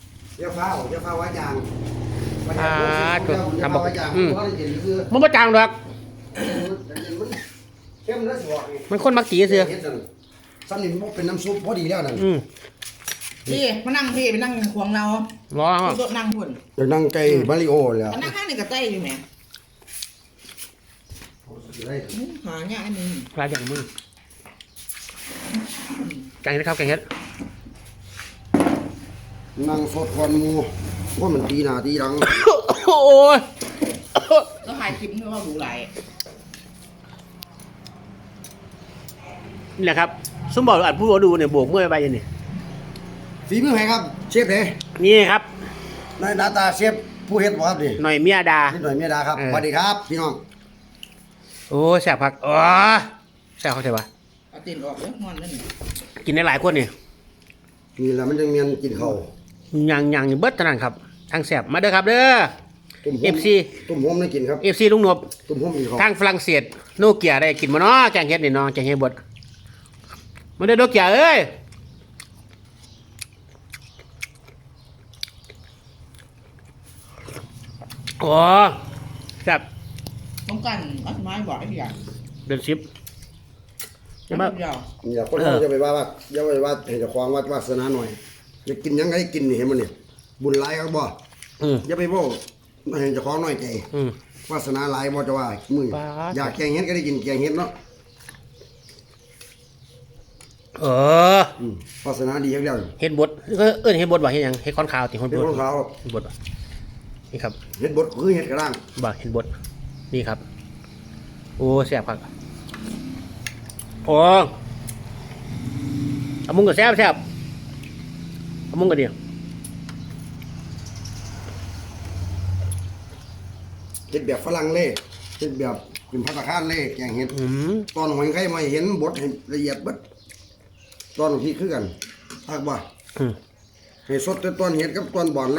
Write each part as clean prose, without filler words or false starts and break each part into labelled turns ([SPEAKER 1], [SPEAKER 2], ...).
[SPEAKER 1] อ
[SPEAKER 2] อย่าฟ้าว่ายาง
[SPEAKER 1] จุดทำบอก
[SPEAKER 2] ว่ายาง
[SPEAKER 1] อืม
[SPEAKER 2] เพราะเย็นคือ
[SPEAKER 1] มันบ่จางดอก
[SPEAKER 2] มันเข้มแล้วสิบอก
[SPEAKER 1] มันคนมักจีเสือ
[SPEAKER 2] ซ้ำนี่มันเป็นน้ำซุปพอดีแล้วนั่น
[SPEAKER 1] อืม
[SPEAKER 3] พี่มานั่งพี่ไปนั่งควงเรา
[SPEAKER 1] ร้อน
[SPEAKER 3] โต๊ะนั่งพุ่น
[SPEAKER 2] เดี๋ยวนั่งไก่มาริโอแล้ว
[SPEAKER 3] มานั่งข้างนี่กับเต้อยู่แหมหาเนี่ยอันนี้
[SPEAKER 1] ปลาอย่างมึงแกงนะครับแกงเฮ็ด
[SPEAKER 2] นั่งสดควันหมูว่ามันตีหน้าตีหลัง
[SPEAKER 1] โอ้ย
[SPEAKER 3] แล้วถ่ายคลิปเพื่อว่าดูไหล
[SPEAKER 1] นี่แหละครับสมบอกอัดผู้ดูเนี่ยโบกเมื่อยไปยังนี่
[SPEAKER 2] ฝีมือใครครับเชฟเด้
[SPEAKER 1] นี่ครับ
[SPEAKER 2] นายหน้าตาเชฟผู้เฮ็ดบ่ครับดิ
[SPEAKER 1] หน่อยเมียดา
[SPEAKER 2] นิดหน่อยเมียดาครับ
[SPEAKER 1] เออ
[SPEAKER 2] สวัสดีครับพี่น้อง
[SPEAKER 1] โอ้แสบผักอ๋อแสบเขาใช่ปะ
[SPEAKER 3] เอาตีนออกเลยงอนนั่นนี่
[SPEAKER 1] กินได้หลายคนนี่
[SPEAKER 2] นี่แหละมันจะเมียนกินข้าว
[SPEAKER 1] ยังเบิดเท่านั้นครับทั้งแสบมาเด้อครับเด้อ
[SPEAKER 2] ตุ่ม
[SPEAKER 1] FC
[SPEAKER 2] ตุ่มหอมได้กินครับ
[SPEAKER 1] FC ลุงหนบ
[SPEAKER 2] ตุ่มหอมกินข้าว
[SPEAKER 1] ทางฝรั่งเศสโนเกียได้กินมาเนาะแกงเฮ็ดนี่เนาะแกงเฮ็ดบดมาเด้อโนเกียเอ้ยโอ้แซ่บ
[SPEAKER 3] ต้องกันอัสมาบอกไอ้พี่ใหญ่
[SPEAKER 1] เดือน10จะมา
[SPEAKER 3] เดียว
[SPEAKER 2] อย่าคนเราจะไปว่าอย่าไปว่าให้เจ้าของวาสนาหน่อยอย่ากินหยังไงกินนี่เห็นมันนี่บุญหลายครับบ่
[SPEAKER 1] อืม
[SPEAKER 2] อย่าไปบอกให้เจ้าของน้อยใจ
[SPEAKER 1] อืม
[SPEAKER 2] วาสนาหลายบ่จะว่ามึง
[SPEAKER 1] ป๊าด
[SPEAKER 2] อยากแกงเห็ดก็ได้กินแกงเห็ดเนาะ
[SPEAKER 1] เออ
[SPEAKER 2] วาสนาดีครับเดียว
[SPEAKER 1] เฮ็ดบดเอิ้นเฮ็ดบดบ่เฮ็ดหยังเฮ็ดค้อนขาวติคน
[SPEAKER 2] เห็
[SPEAKER 1] บ
[SPEAKER 2] ด
[SPEAKER 1] ด
[SPEAKER 2] ของเขา
[SPEAKER 1] เฮ็ดบดบ่นี่ครับ
[SPEAKER 2] เห็ดบดคือเห็ดกระด้าง
[SPEAKER 1] บ่เฮ็ดบดนี่ครับ โอ้แซ่บครับโอ้เอามุงก็แซ่บเอามุงก็ดี
[SPEAKER 2] เห็ดแบบฝรั่งเล่เห็ดแบบเป็นภัตตาคารเล่แกงเห็ด
[SPEAKER 1] อืม
[SPEAKER 2] ตอนหอยไข่มาเห็นบดให้ละเอียดเบิดตอนพี่คือกันทักบ่
[SPEAKER 1] อืม
[SPEAKER 2] ให้สดแต่ตอนเห็ดกับตอนบ่อนเลย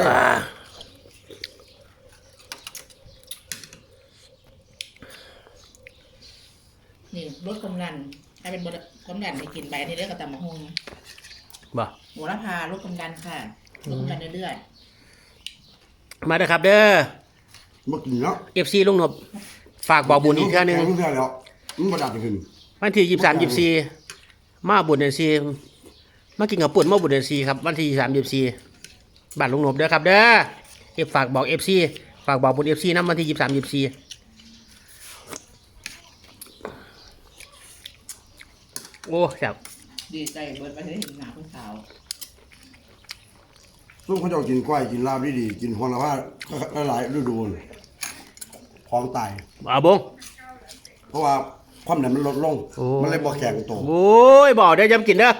[SPEAKER 3] นี่รสกำลังให้เป็นรสกำลังไปกินไปนี่เรียกกระตำมะฮง
[SPEAKER 1] บ่
[SPEAKER 3] โหระพารสกำลังค่ะรสกำลังเรื่อย
[SPEAKER 1] มาเด้อครับเด้อ
[SPEAKER 2] บ่กินเนาะ
[SPEAKER 1] FC ลุงนบฝากบอกบุญอีกเทื่อนึง
[SPEAKER 2] แกเทื่อแล้วมันบ่ดับขึ้น
[SPEAKER 1] วันที่23 24มาบุญเดือน4มากินกับปุ่นมาบุญเดือน4ครับวันที่23 24บ้านลุงนบเด้อครับเด้อฝากบอก FC ฝากบอกบุญ FC นำวันที่23 24โอ้แซ่บ
[SPEAKER 3] ๆดีใจเบิร์ดไปได้เห็นหนาคุณสาว
[SPEAKER 2] ซุ่มเขาเจ้ากินกล้วยกินลาบดีๆกินฮอนละว่าหลายฤดูเลยของตาย
[SPEAKER 1] เอาบง
[SPEAKER 2] เพราะว่าความดันมันลดลง
[SPEAKER 1] โอ้
[SPEAKER 2] มันเลยบ่แข็งตัว
[SPEAKER 1] โอ้ยบอกเด้อจำกินเด้อ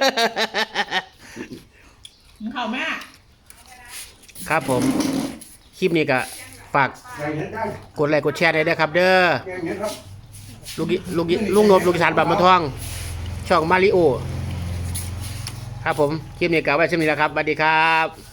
[SPEAKER 3] มึงเข้าแม่
[SPEAKER 1] ครับผม คลิปนี้ก็ฝาก
[SPEAKER 2] แกงเห็ดได้
[SPEAKER 1] กดไลค์กดแชร์ได้เด้อครับ เด้อ
[SPEAKER 2] แกงเห็ดครับ
[SPEAKER 1] ลุงนบลูกอีสานบางมะทอง ช่องมาริโอ ครับผม คลิปนี้ก็ไว้เช่นนี้แล้วครับสวัสดีครับ